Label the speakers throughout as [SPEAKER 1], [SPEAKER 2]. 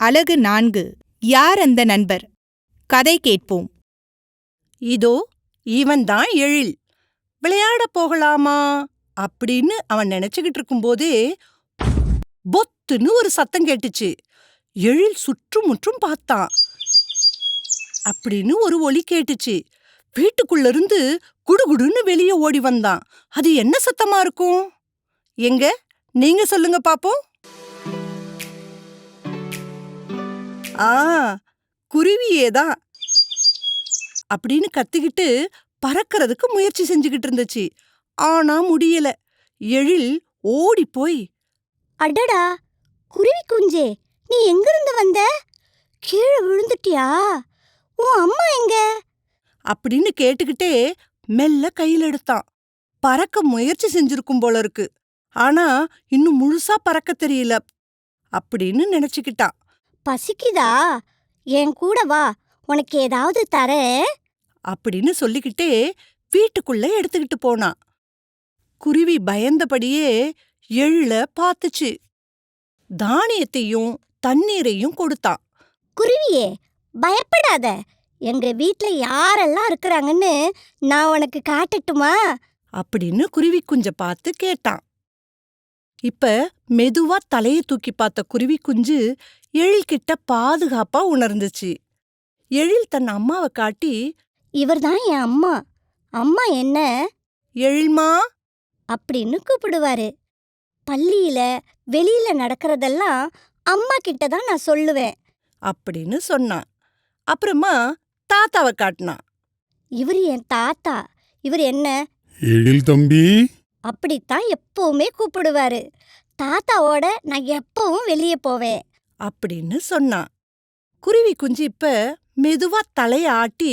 [SPEAKER 1] அலகு 4. யார் அந்த நண்பர்? கதை கேட்போம்.
[SPEAKER 2] இதோ இவன்தான் எழில். விளையாட போகலாமா அப்படின்னு அவன் நினைச்சுக்கிட்டு இருக்கும்போதே பொத்துன்னு ஒரு சத்தம் கேட்டுச்சு. எழில் சுற்றுமுற்றும் பார்த்தான். அப்படின்னு ஒரு ஒலி கேட்டுச்சு. வீட்டுக்குள்ள இருந்து குடுகுடுன்னு வெளியே ஓடி வந்தான். அது என்ன சத்தமா இருக்கும்? எங்க நீங்க சொல்லுங்க பாப்போம். குருவியேதான் அப்படின்னு கத்திக்கிட்டு பறக்கிறதுக்கு முயற்சி செஞ்சுக்கிட்டு இருந்துச்சு. ஆனா முடியல. எழில் ஓடி போய்,
[SPEAKER 3] அடடா குருவி குஞ்சே, நீ எங்கிருந்து வந்த? கீழே விழுந்துட்டியா? உன் அம்மா எங்க?
[SPEAKER 2] அப்படின்னு கேட்டுக்கிட்டே மெல்ல கையில் எடுத்தான். பறக்க முயற்சி செஞ்சிருக்கும் போல இருக்கு. ஆனா இன்னும் முழுசா பறக்க தெரியல அப்படின்னு நினைச்சுக்கிட்டான்.
[SPEAKER 3] பசிக்குதா? என் கூட வா, உனக்கு ஏதாவது தரேன்
[SPEAKER 2] அப்படின்னு சொல்லிக்கிட்டே வீட்டுக்குள்ள எடுத்துக்கிட்டு போனான். குருவி பயந்தபடியே எழில பார்த்துச்சு. தானியத்தையும் தண்ணீரையும் கொடுத்தான்.
[SPEAKER 3] குருவியே, பயப்படாத. எங்க வீட்ல யாரெல்லாம் இருக்கிறாங்கன்னு நான் உனக்கு காட்டட்டுமா?
[SPEAKER 2] அப்படின்னு குருவி குஞ்ச பார்த்து கேட்டான். இப்ப மெதுவா தலையை தூக்கி பார்த்த குருவி குஞ்சு எழில்கிட்ட பாதுகாப்பா உணர்ந்துச்சு. எழில் தன் அம்மாவை காட்டி,
[SPEAKER 3] இவர்தான் என் அம்மா. அம்மா என்ன
[SPEAKER 2] எழில்மா
[SPEAKER 3] அப்படின்னு கூப்பிடுவாரு. பள்ளியில வெளியில நடக்கிறதெல்லாம் அம்மா கிட்ட தான் நான் சொல்லுவேன்
[SPEAKER 2] அப்படின்னு சொன்னான். அப்புறமா தாத்தாவை காட்டினான்.
[SPEAKER 3] இவர் என் தாத்தா. இவர் என்ன
[SPEAKER 4] எழில் தம்பி.
[SPEAKER 3] அப்படித்தான் எப்பவுமே கூப்பிடுவாரு. தாத்தாவோட நான் எப்பவும் வெளியே போவேன்
[SPEAKER 2] அப்படின்னு சொன்னான். குருவி குஞ்சு இப்ப மெதுவா தலைய ஆட்டி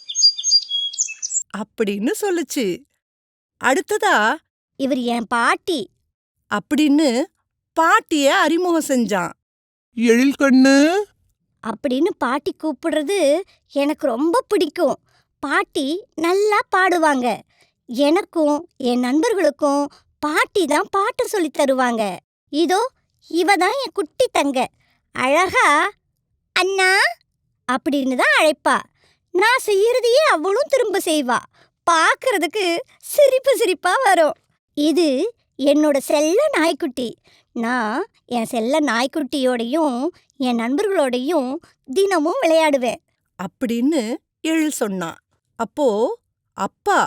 [SPEAKER 2] அப்படின்னு சொல்லுச்சு. அடுத்ததா
[SPEAKER 3] இவர் என் பாட்டி
[SPEAKER 2] அப்படின்னு பாட்டிய அறிமுகம் செஞ்சான்.
[SPEAKER 4] எழில் கண்ணு.
[SPEAKER 3] அப்படின்னு பாட்டி கூப்பிடுறது எனக்கு ரொம்ப பிடிக்கும். பாட்டி நல்லா பாடுவாங்க. எனக்கும் என் நண்பர்களுக்கும் பாட்டி தான் பாட்டு சொல்லி தருவாங்க. இதோ இவ தான் என் குட்டி தங்க. அழகா அண்ணா அப்படின்னு தான் அழைப்பா. நான் செய்யறதையே அவளும் திரும்ப செய்வா. பார்க்கறதுக்கு சிரிப்பு சிரிப்பா வரும். இது என்னோட செல்ல நாய்க்குட்டி. நான் என் செல்ல நாய்க்குட்டியோடையும் என் நண்பர்களோடையும் தினமும் விளையாடுவேன்
[SPEAKER 2] அப்படின்னு எழில் சொன்னான். அப்போ அப்பா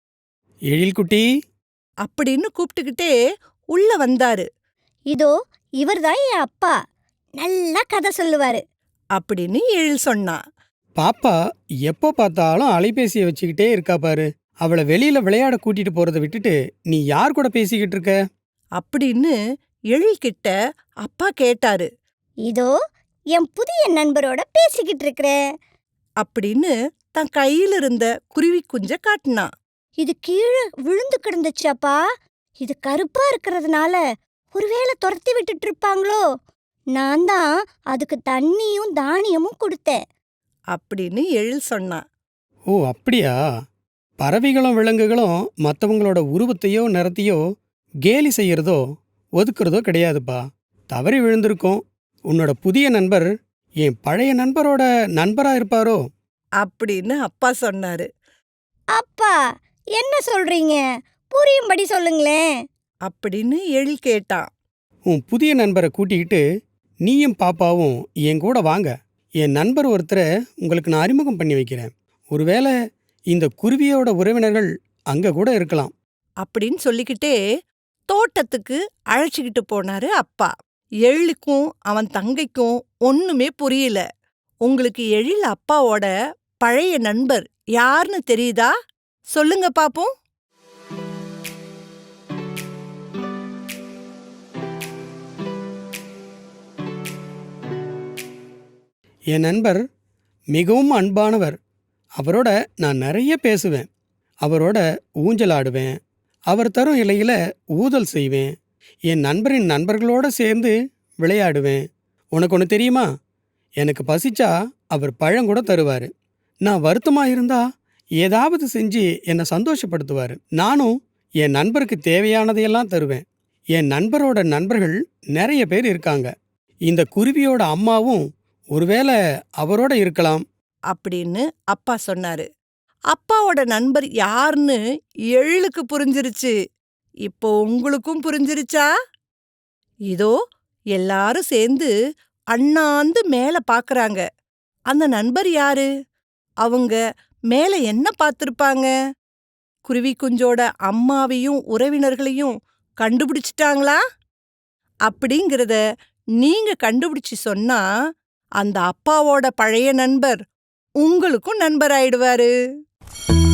[SPEAKER 5] எழில் குட்டி
[SPEAKER 2] அப்படின்னு கூப்பிட்டுக்கிட்டே உள்ள வந்தாரு.
[SPEAKER 3] இதோ இவர்தான் என் அப்பா. நல்லா கதை சொல்லுவாரு
[SPEAKER 2] அப்படின்னு எழில் சொன்னான்.
[SPEAKER 5] பாப்பா எப்போ பார்த்தாலும் அலைபேசியை வச்சுக்கிட்டே இருக்கா பாரு. அவளை வெளியில விளையாட கூட்டிட்டு போறதை விட்டுட்டு நீ யார் கூட பேசிக்கிட்டு இருக்க?
[SPEAKER 2] அப்படின்னு எழில்கிட்ட அப்பா கேட்டாரு.
[SPEAKER 3] இதோ என் புதிய நண்பரோட பேசிக்கிட்டு இருக்கிறேன்
[SPEAKER 2] அப்படின்னு தன் கையில இருந்த குருவி குஞ்ச காட்டினான்.
[SPEAKER 3] இது கீழே விழுந்து கிடந்துச்சாப்பா. இது கருப்பா இருக்கிறதுனால ஒருவேளை துரத்தி விட்டுட்டு இருப்பாங்களோ. நான் தான் அதுக்கு தண்ணியும் தானியமும் கொடுத்தேன்
[SPEAKER 2] அப்படின்னு எழில் சொன்னான்.
[SPEAKER 5] ஓ அப்படியா? பறவைகளும் விலங்குகளும் மற்றவங்களோட உருவத்தையோ நிறத்தையோ கேலி செய்யறதோ ஒதுக்குறதோ கிடையாதுப்பா. தவறி விழுந்திருக்கும். உன்னோட புதிய நண்பர் என் பழைய நண்பரோட நண்பரா இருப்பாரோ?
[SPEAKER 2] அப்படின்னு அப்பா சொன்னாரு.
[SPEAKER 3] அப்பா என்ன சொல்றீங்க? புரியும்படி சொல்லுங்களேன்
[SPEAKER 2] அப்படின்னு எழில் கேட்டான்.
[SPEAKER 5] உன் புதிய நண்பரை கூட்டிக்கிட்டு நீயும் பாப்பாவும் என் கூட வாங்க. என் நண்பர் ஒருத்தரை உங்களுக்கு நான் அறிமுகம் பண்ணி வைக்கிறேன். ஒருவேளை இந்த குருவியோட உறவினர்கள் அங்க கூட இருக்கலாம்
[SPEAKER 2] அப்படின்னு சொல்லிக்கிட்டே தோட்டத்துக்கு அழைச்சிக்கிட்டு போனாரு அப்பா. எழிலுக்கும் அவன் தங்கைக்கும் ஒண்ணுமே புரியல. உங்களுக்கு எழில் அப்பாவோட பழைய நண்பர் யாருன்னு தெரியுதா? சொல்லுங்க பாப்போம்.
[SPEAKER 5] என் நண்பர் மிகவும் அன்பானவர். அவரோட நான் நிறைய பேசுவேன். அவரோட ஊஞ்சல் ஆடுவேன். அவர் தரும் இலையில ஊதல் செய்வேன். என் நண்பரின் நண்பர்களோட சேர்ந்து விளையாடுவேன். உனக்கு ஒன்று தெரியுமா? எனக்கு பசிச்சா அவர் பழங்கூட தருவார். நான் வருத்தமாக இருந்தா ஏதாவது செஞ்சு என்னை சந்தோஷப்படுத்துவார். நானும் என் நண்பருக்கு தேவையானதையெல்லாம் தருவேன். என் நண்பரோட நண்பர்கள் நிறைய பேர் இருக்காங்க. இந்த குருவியோட அம்மாவும் ஒருவேளை அவரோட இருக்கலாம்.
[SPEAKER 2] அப்படின்னு அப்பா சொன்னாரு. அப்பாவோட நண்பர் யாருன்னு எழிலுக்கு புரிஞ்சிருச்சு. இப்போ உங்களுக்கும் புரிஞ்சிருச்சா? இதோ எல்லாரும் சேர்ந்து அண்ணாந்து மேல பாக்குறாங்க. அந்த நண்பர் யாரு? அவங்க மேல என்ன பார்த்திருப்பாங்க? குருவி குஞ்சோட அம்மாவையும் உறவினர்களையும் கண்டுபிடிச்சிட்டாங்களா? அப்படிங்கிறத நீங்க கண்டுபிடிச்சு சொன்னா அந்த அப்பாவோட பழைய நண்பர் உங்களுக்கும் நண்பர் ஆயிடுவாரு.